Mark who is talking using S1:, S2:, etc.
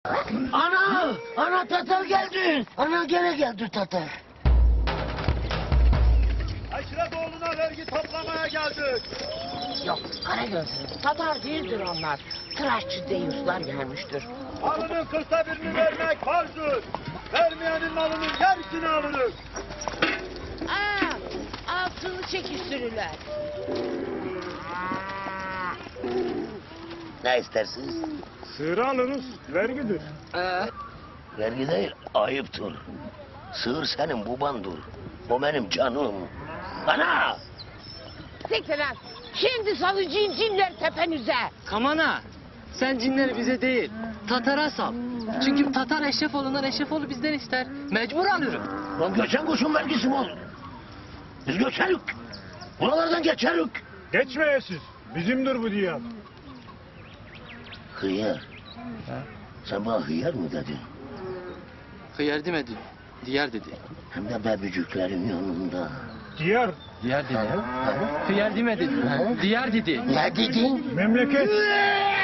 S1: Ana! Ana Tatar geldi! Ana gene geldi Tatar.
S2: Aşiret vergi toplamaya geldik.
S3: Yok Karagözlü, Tatar değildir onlar. Tıraşçı deyuslar gelmiştir.
S2: Malının 40'ta birini vermek farzdır. Vermeyenin malının yarısını alırız.
S3: Altını çekiştirirler.
S1: Ne istersiniz?
S2: Sığırı alırız, vergidir.
S1: Vergi değil, ayıptır. Sığır senin babandır. O benim canım. Ana!
S3: Siktir lan. Şimdi salıcıyım cinler tepenize.
S4: Kamana, sen cinleri bize değil, Tatar'a sal. Çünkü Tatar Eşrefoğlu'ndan, Eşrefoğlu bizden ister. Mecbur alırım.
S1: Lan göçen kuşun vergisi mi olur? Biz göçerik. Buralardan geçerik.
S2: Geçmeyesiz, bizimdir bu diyar.
S1: Hıyar. Sen bana hıyar mı dedin?
S4: Hıyar demedi, diyar dedi.
S1: Hem de bebeciklerin yanında.
S2: Diyar,
S4: Diyar dedi. Hıyar demedi, diyar dedi.
S1: Ne dedin?
S2: memleket.